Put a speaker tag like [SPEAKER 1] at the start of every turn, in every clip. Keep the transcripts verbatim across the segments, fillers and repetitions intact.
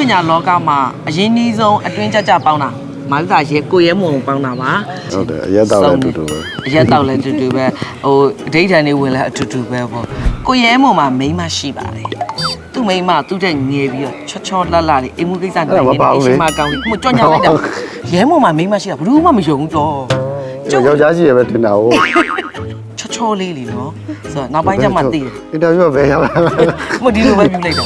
[SPEAKER 1] ညာလောကမှာအရင်းနှီးဆုံးအတွင်းကြကြပေါင်းတာမာလူသားရဲ့ကိုရဲမုံပေါင်းတာပါ
[SPEAKER 2] ဟုတ်တယ်အရက်တောက်လည်းအတူတူပဲ
[SPEAKER 1] အရက်တောက်လည်းအတူတူပဲဟိုအဓိဋ္ဌာန်တွေဝင်လည်းအတူတူပဲပေါ့ကိုရဲမုံမှာမိန်းမရှိပါတယ်သူ့မိန်းမသူ့တဲ့ငယ်ပြီးတော့ချောချောလှလှလေးအိမ်မှုကိစ္စနေနေအရှင်မကောင်းလေးဟိုကြော်ညာလိုက်တာရဲမုံမှာမိန်းမရှိတာဘယ်သူမှမယုံဘူးတော့
[SPEAKER 2] ယောက်ျားကြီးရပဲတင်တာဟုတ်
[SPEAKER 1] ချောချောလေးလीနော်ဆိုတော့နောက်ပိုင်းကျမှသိတယ်
[SPEAKER 2] အင်တာဗျူးကဘယ်ရောက်လာ
[SPEAKER 1] မဒီလိုပဲပြုလိုက်တာ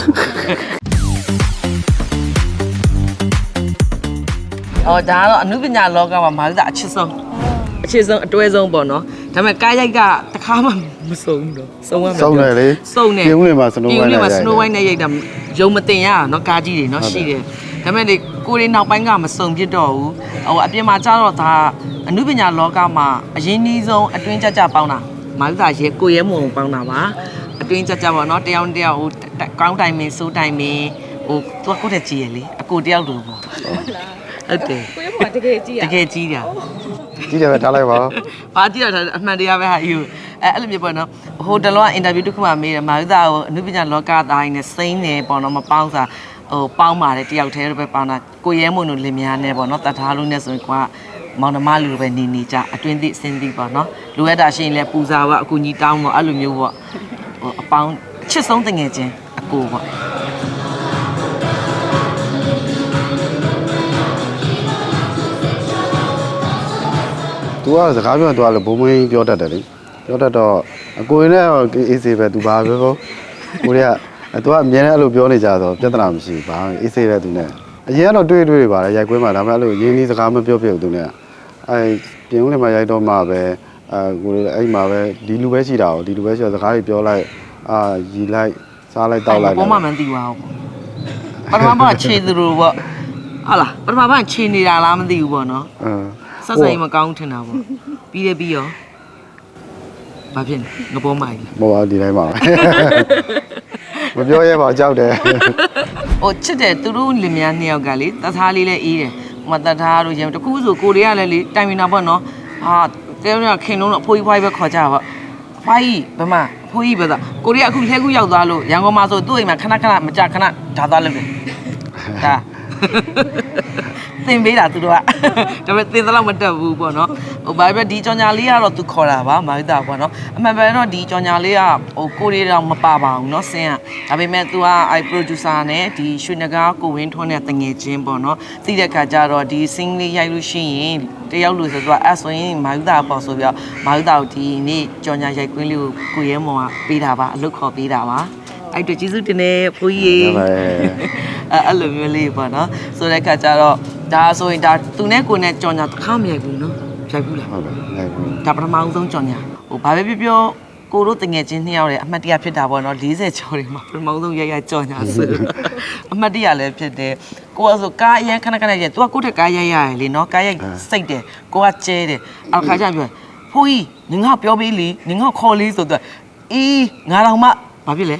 [SPEAKER 1] အော်ဒါကတော့အနုပညာလောကမှာမာလူသားအချစ်ဆုံးအချစ်ဆုံးအတွဲဆုံးပေါ့နော်ဒါပေမဲ့ကားရိုက်ကတခါမှမစုံဘူးတော့စုံရမယ်
[SPEAKER 2] စုံတယ်လေ
[SPEAKER 1] စုံတယ်
[SPEAKER 2] ပြုံးနေမှာစနိုးဝိုင်းနဲ့
[SPEAKER 1] ပြုံးနေမှာစနိုးဝိုင်းနဲ့ရိုက်တာယုံမတင်ရနော်ကားကြီးတွေနော်ရှိတယ်ဒါပေမဲ့လေကိုရီနောက်ပိုင်းကမစုံဖြစ်တော့ဘူးဟိုအပြင်မှာကျတော့ဒါအနုပညာလောကမှာအရင်းနှီးဆုံးအတွင်းကြကြပေါင်းတာမာလူသားရဲ့ကိုရဲမုံပေါင်းတာပါအတွင်းကြကြပေါ့နော်တယောက်တယောက်ဟိုကောင်းတိုင်မင်းစိုးတိုင်မင်းဟိုသူကကိုတဲ့ကြီးရလေအကိုတယောက်လိုပေါ့ဟုတ်တယ်
[SPEAKER 3] ကိုရဲမုံတကယ်ကြီးရ
[SPEAKER 1] တကယ်ကြီးတာ
[SPEAKER 2] ကြီးတယ်ပဲထားလိုက်ပါ
[SPEAKER 1] ဘာကြည့်တော့အမှန်တရားပဲဟာယူအဲအဲ့လိုမျိုးပေါ့နော်ဟိုတလောကအင်တာဗျူးတစ်ခုမှမေးတယ်မာလူသားကိုအနုပညာလောကသားရင်းနဲ့စိမ့်နေပေါ့နော်မပေါင်းစားဟိုပေါင်းပါတယ်တယောက်တည်းပဲပေါင်းတာကိုရဲမုံတို့လင်မယားနဲ့ပေါ့နော်တတ်ထားလို့နဲ့ဆိုရင်ကွာမောင်နှမလူပဲနေနေကြအတွင်းသည့်အစင်းသည့်ပေါ့နော်လူရတာရှိရင်လည်းပူဇာပေါ့အကူကြီးတောင်းပေါ့အဲ့လိုမျိုးပေါ့ဟိုအပေါင်းချစ်ဆုံးတငယ်ချင်းအကိုပေါ့
[SPEAKER 2] သူကစကားပြောတော့လည်းဘုံမင်းပြောတတ်တယ်လေပြောတတ်တော့အကိုရင်းနဲ့အေးစေးပဲသူဘာပဲပေါ့ကိုရီးယားသူကအမြဲတမ်းအဲ့လိုပြောနေကြတော့ပြဿနာမရှိဘူးဘာအေးစေးပဲသူနဲ့အရင်ကတော့တွေ့တွေ့ပါလေရိုက်ကွင်းမှာဒါပေမဲ့အဲ့လိုရင်းနှီးစကားမပြောပြဘူးသူနဲ့အဲပြင်ဦးလင်မှာရိုက်တော့မှပဲအဲကိုရီးအဲ့မှာပဲဒီလူပဲရှိတာကိုဒီလူပဲရှိတော့စကားတွေပြောလိုက်အာရီလိုက်စားလိုက်တောက်လိုက်
[SPEAKER 1] ဘာမှမသိပါဘူးပထမပိုင်းခြေသူတို့ပေါ့ဟာလားပထမပိုင်းခြေနေတာလားမသိဘူးပေါ့နော်
[SPEAKER 2] အင်း
[SPEAKER 1] ဆက်ဆိုင်မကောင်းထင်တာပေါ့ပြီးတယ်ပြီးရောဘာဖြစ်လဲငပေါ်မိုင်း
[SPEAKER 2] မဟုတ်ပါဒီတိုင်းပါမပြောရဲပါကြောက်တယ်
[SPEAKER 1] ဟိုချစ်တယ်သူတို့လင်မယားနှစ်ယောက်ကလေတသားလေးလည်းအေးတယ်ဟိုမှာတသားတို့ရင်တခုဆိုကိုရီးယားလည်းလေတိုင်မင်တာပေါ့နော်ဟာတဲရခင်လုံးတော့အဖိုးကြီးဖွားကြီးပဲခေါ်ကြပါပေါ့ဖွားကြီးဘမအဖိုးကြီးပဲဆိုကိုရီးယားအခုလှဲခုရောက်သွားလို့ရန်ကုန်မှာဆိုသူ့အိမ်မှာခဏခဏမကြခဏဓာသွားလို့တယ်ဒါသင်ပေးတာသူတို့ကဒါပေမဲ့သင်သလောက်မတက်ဘူးပေါ့နော်ဟိုဘာပဲဒီကြောင်ညာလေးကတော့သူခေါ်တာပါမာရိတာပေါ့နော်အမှန်ပဲတော့ဒီကြောင်ညာလေးကဟိုကိုရီးတော့မပါပါဘူးเนาะဆင်းကဒါပေမဲ့ तू ကအဲ producer နဲ့ဒီရွှေနဂါကိုဝင်းထွန်းနဲ့တငယ်ချင်းပေါ့နော်သိတဲ့ခါကျတော့ဒီ sing လေးရိုက်လို့ရှိရင်တယောက်လို့ဆိုတော့အဲ့ဆိုရင်မာရိတာပေါ့ဆိုပြီးတော့မာရိတာကိုဒီနေ့ကြောင်ညာရိုက်ကွင်းလေးကိုကိုရဲမောင်ကပေးတာပါအလုပ်ခေါ်ပေးတာပါအဲ့တော့ကျေးဇူးတင်နေဖိုးကြီးအဲ့အဲ့လိုမျိုးလေးပေါ့နော်ဆိုတဲ့ခါကျတော့ဒါဆိုရင်ဒါသူနဲ့ကိုနဲ့ကြော်ညာတစ်ခါမရိုက်ဘူးနော်ရိုက်ဘူးလား
[SPEAKER 2] ဟုတ်တယ်ရိုက်ဘူး
[SPEAKER 1] ဒါပထမအောင်ဆုံးကြော်ညာဟိုဘာပဲပြောပြောကိုတို့တငယ်ချင်းနှစ်ယောက်ရဲ့အမှတ်တရဖြစ်တာပေါ့နော်၄၀ကျော်တွေမှာပထမဆုံးရိုက်ရကြော်ညာဆိုအမှတ်တရလည်းဖြစ်တယ်ကိုကဆိုကားအရင်ခဏခဏရိုက် तू ကကိုယ့်ထက်ကားရိုက်ရတယ်လေနော်ကားရိုက်စိတ်တယ်ကိုကကျဲတယ်အခါကျပြောဖိုးကြီးနင်ငါပြောပေးလေနင်ငါခေါ်လေးဆိုတော့အေးငါတော့မှဘာဖြစ်လဲ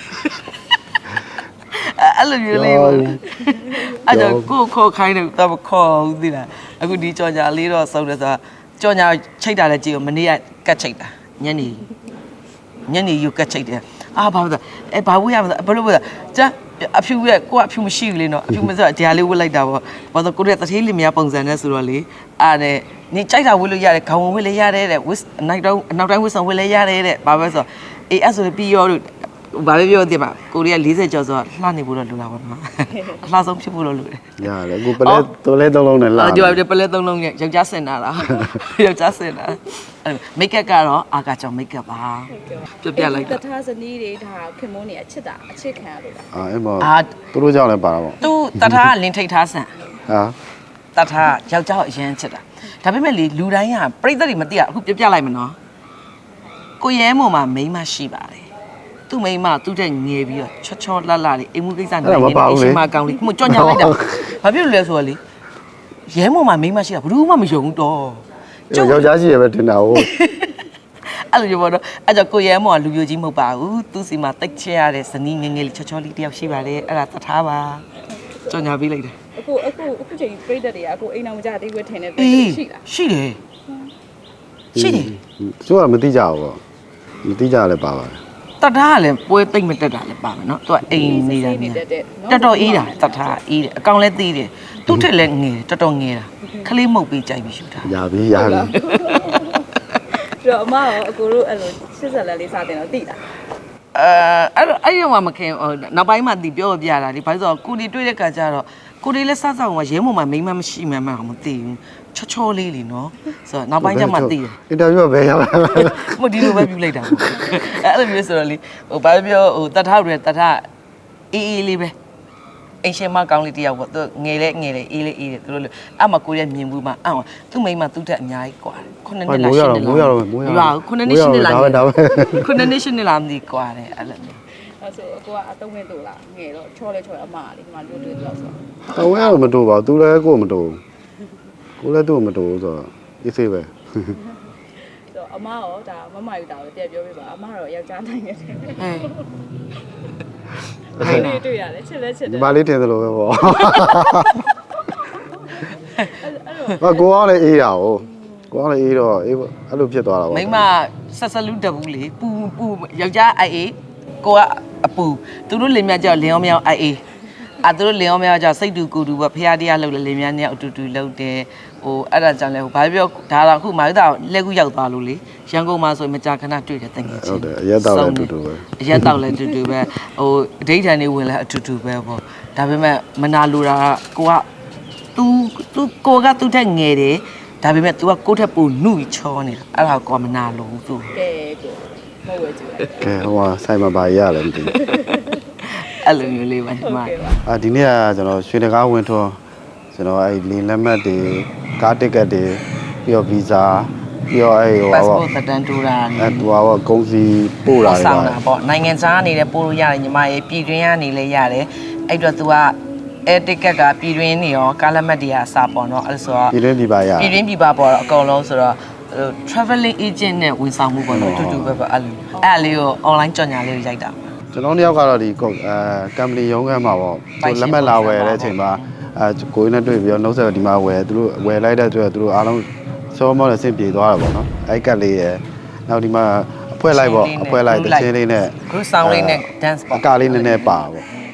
[SPEAKER 1] အဲ့လိုမျိုးလေးပေါ့အဲ့တော့ကိုခေါ်ခိုင်းတယ်တော့ခေါ်ဦးသေးလားအခုဒီကြော်ညာလေးတော့စုံတယ်ဆိုတာကြော်ညာချိတ်တာလည်းကြည့်ဦးမနေ့ကကတ်ချိတ်တာညနေညနေယူကတ်ချိတ်တယ်အာဘာလို့အဲဘာဝေးရမလဲဘလို့ဘလို့ကျအဖြူရဲ့ကိုကအဖြူမရှိဘူးလေနော်အဖြူမဆိုတော့ဒီဟာလေးဝတ်လိုက်တာပေါ့ဘာလို့ကိုရဲ့တထေးလေးမရပုံစံနဲ့ဆိုတော့လေအားနဲ့နေကြိုက်တာဝတ်လို့ရတယ်ခေါင်းဝတ်လည်းရတယ်တဲ့ဝတ်နောက်တော့နောက်တိုင်းဝတ်ဆောင်ဝတ်လည်းရတယ်တဲ့ဘာပဲဆိုအေးအဲ့ဆိုပြီးရောလို့ဘာပဲပြောသေးပါကိုရီးယား၄၀ကျော်ဆိုတော့လှနေဖို့တော့လိုတာပေါ့နော်အလှဆုံးဖြစ်ဖို့တော့လိုတယ်
[SPEAKER 2] ရတယ်အခုပလဲတိုးလဲသုံးလုံးနဲ့လှ
[SPEAKER 1] အော်ဒီပလဲသုံးလုံးနဲ့ယောက်ျားစင်တာလားယောက်ျားစင်တာမိတ်ကပ်ကတော့အာကာကြောင့်မိတ်ကပ်ပါပြပြလိုက်
[SPEAKER 3] တော့တထားဇနီးတွေဒါခင်မိုးနေအချစ်တာအချစ်ခံရလို့လား
[SPEAKER 2] အာအဲ့မသူတို့ကြောင့်လည်းပါတာပေါ့
[SPEAKER 1] သူတထားကလင်းထိတ်ထားဆန်
[SPEAKER 2] ဟာ
[SPEAKER 1] တထားယောက်ျားအရင်ချစ်တာဒါပေမဲ့လေလူတိုင်းကပြိသက်တွေမသိရအခုပြပြလိုက်မနော်ကိုရဲမုံမှာမိန်းမရှိပါတယ်သူ့မိန်းမသူ့တဲ့ငယ်ပြီးတော့ချောချောလှလှလေးအိမ်မှုကိစ္စနေနေအရှင်မကောင်းလေးကိုကြော်ညာလိုက်တာဘာဖြစ်လို့လဲဆိုတော့လေရဲမုံမှာမိန်းမရှိတာဘယ်သူမှမယုံဘူးတော့
[SPEAKER 2] ယောက်ျားကြီးရပဲတင်တာဟုတ်
[SPEAKER 1] အဲ့လိုပြောတော့အဲ့ကြောင့်ကိုရဲမုံကလူပြိုကြီးမဟုတ်ပါဘူးသူ့စီမှာတိတ်ချရတဲ့ဇနီးငယ်ငယ်လေးချောချောလေးတယောက်ရှိပါတယ်အဲ့ဒါသထားပါကြော်ညာပေးလိုက်တယ်
[SPEAKER 3] အခုအခုအခုချိန်ပြိတ္တတွေကအခုအိမ်အောင်မကြသေးဘူးထင်တယ်ရှိလား
[SPEAKER 1] ရှိတယ်ရှိတယ်
[SPEAKER 2] သူကမသိကြဘူးပေါ့မသိကြလည်းပါပါတယ်
[SPEAKER 1] တတ်ထားကလည်းပွဲသိမ့်မတက်တာလည်းပါမယ်နော်သူကအိမ်နေတာနေတော်တော်အေးတာတတ်ထားအေးတယ်အကောင်လည်းသေးတယ်သူ့ထက်လည်းငယ်တယ်တော်တော်ငယ်တာခလေးမှုတ်ပြီးကြိုက်ပြီးရှူတာ
[SPEAKER 2] ရပြီရပြီ
[SPEAKER 3] တော့အမရောအကိုတို့အဲ့လိုရှစ်ဆက်လက်လေးစတင်တော့တိတာ
[SPEAKER 1] အဲအဲ့တော့အဲ့ရောမခင်ဟိုနောက်ပိုင်းမှတီပြောပြတာဒီဘာလို့ဆိုတော့ကိုဒီတွေ့တဲ့ခါကျတော့ကိုဒီလည်းစဆောက်မှာရဲမုံမှာမိမမရှိမှန်းမှမသိဘူးချောချောလေးလीနော်ဆိုတော့နောက်ပိုင်းကျမှသိတယ်
[SPEAKER 2] အင်တာဗျူးပဲရပါ
[SPEAKER 1] မဒီလိုပဲပြုလိုက်တာပေါ့အဲ့လိုမျိုးဆိုတော့လေဟိုဘာပြောဟိုတထားတွေတထားအေးအေးလေးပဲအင်ရှင်မကောင်းလေးတယောက်ပေါ့သူငယ်လဲငယ်လဲအေးလေးအေးတယ်သူတို့အဲ့မှာကိုရဲမြင်ဘူးမှအော်သူ့မိန်းမသူ့တက်အများကြီးกว่าခုနှစ်နှစ်လားရှစ်နှစ်လား
[SPEAKER 2] မိုးရတော့မိုးရတော့
[SPEAKER 1] ခုနှစ်နှစ်ရှစ်နှစ်လား
[SPEAKER 2] ဒါပဲဒါပဲ
[SPEAKER 1] ခုနှစ်နှစ်ရှစ်နှစ်လားမသိกว่าတယ်အဲ့လိုမျိုး
[SPEAKER 3] အဲ့ဆိုအကိုကအတုံးဝင်တူလားငယ်တော့ချောလဲချောအမလေးဒီမှာလွတ်တွေ့တော့ဆို
[SPEAKER 2] တော့ဝဲတော့မတူပါဘူးသူလည်းကိုယ်မတူကိုလည်းသူ့မတူဆိုတော့အေးဆေးပဲ
[SPEAKER 3] တော့အမရောဒါမမယူတာပဲတည့်ပြောပြပါအမတော့ယောက်ျားနိုင်နေတယ်
[SPEAKER 1] ဟဲ့
[SPEAKER 3] အဲ့ဒီတွေ့ရတယ်ချစ်လဲချစ်တ
[SPEAKER 2] ဒီ
[SPEAKER 3] ယ်
[SPEAKER 2] မလေးတင်သလိုပဲပေါ့
[SPEAKER 3] အဲ့တော့
[SPEAKER 2] ဟာကိုအောင်လည်းအေးတာ哦ကိုအောင်လည်းအေးတော့အေးအဲ့လိုဖြစ်သွားတာပေါ့
[SPEAKER 1] မိမဆက်ဆက်လူတဘူးလေပူပူယောက်ျားအိုက်အေးကိုကအပူသူတို့လင်မြကြောက်လင်အောင်မြောက်အိုက်အေးအာသူတို့လင်အောင်မြောက်ကြောက်စိတ်တူကိုတူပေါ့ဖះတရားလှုပ်လေလင်မြနဲ့အတူတူလှုပ်တယ်ဟိုအဲ့ဒါကြောင့်လဲဟိုဘာပြောဒါတော့အခုမာရတာလက်ကူရောက်သွားလို့လေရန်ကုန်မှာဆိုမကြာခဏတွေ့တယ်တကယ်ချင်း
[SPEAKER 2] ဟုတ်တယ်အရက်တော့လည်းအတူတူပဲ
[SPEAKER 1] အရက်တော့လည်းအတူတူပဲဟိုအဋိဌာန်နေဝင်လည်းအတူတူပဲပေါ့ဒါပေမဲ့မနာလိုတာကိုက तू तू ကိုကသူ့ထက်ငယ်တယ်ဒါပေမဲ့ तू ကကိုယ့်ထက်ပိုနှုတ်ချောနေတာအဲ့ဒါကိုကမနာလို့သူ
[SPEAKER 3] ကဲကိုမဟုတ်ဝဲကြည့်လိုက်က
[SPEAKER 2] ဲဟိုဟာဆိုင်မှာပါရရတယ်မသိဘူး
[SPEAKER 1] အဲ့လိုမျိုးလေးပါညီမ
[SPEAKER 3] ကဲပါ
[SPEAKER 2] အာဒီနေ့ကကျွန်တော်ရွှေတကားဝင်ထွန်းကျွန်တော်အဲ့လင်းလက်မှတ်တွေကားတစ်ကတ်တွေပြီးတော့ဗီဇာပြီးတော့အဲ့ဟို
[SPEAKER 1] ပတ်စ
[SPEAKER 2] ဟာ
[SPEAKER 1] ပို့တန်တူတာ
[SPEAKER 2] အဲ့ဟိုဟာကုန်းစီပို့တာတွေ
[SPEAKER 1] ဆောင်
[SPEAKER 2] ပါ
[SPEAKER 1] တာပေါ့နိုင်ငံခြားအနေနဲ့ပို့လို့ရတယ်ညီမရေပြည်တွင်းကနေလည်းရတယ်အဲ့တော့ तू ကအဲတစ်ကက်ကပြည်တွင်းနေရောကားလက်မှတ်တွေကအစားပေါ့နော်အဲ့ဆိုတော့
[SPEAKER 2] ပြည်တွင်းပြည်ပရ
[SPEAKER 1] ပြည်တွင်းပြည်ပပေါ့တော့အကုန်လုံးဆိုတော့ traveling agent နဲ့ဝန်ဆောင်မှုပေါ့နော်တူတူပဲပေါ့အဲ့လိုအဲ့အလေးကို online ကြော်ညာလေးကိုရိုက်တာ
[SPEAKER 2] ကျွန်တော်တယောက်ကတော့ဒီကုတ်အဲကမ်ပဏီရုံးခန်းမှာပေါ့သူလက်မှတ်လာဝယ်တဲ့အချိန်မှာအဲကိုရင်းနဲ့တွေ့ပြီးတော့နှုတ်ဆက်ဒီမှာဝယ်သူတို့ဝယ်လိုက်တဲ့အတွက်သူတို့အားလုံးစောမောနဲ့ဆင်ပြေသွားတာပေါ့နော်အဲ့ကတ်လေးရယ်နောက်ဒီမှာအဖွဲလိုက်ပေါ့အဖွဲလိုက်တချင်းလေးနဲ့
[SPEAKER 1] group sound လေးနဲ့ dance ပေါ့
[SPEAKER 2] အကာလေးနည်းနည်းပါပေါ့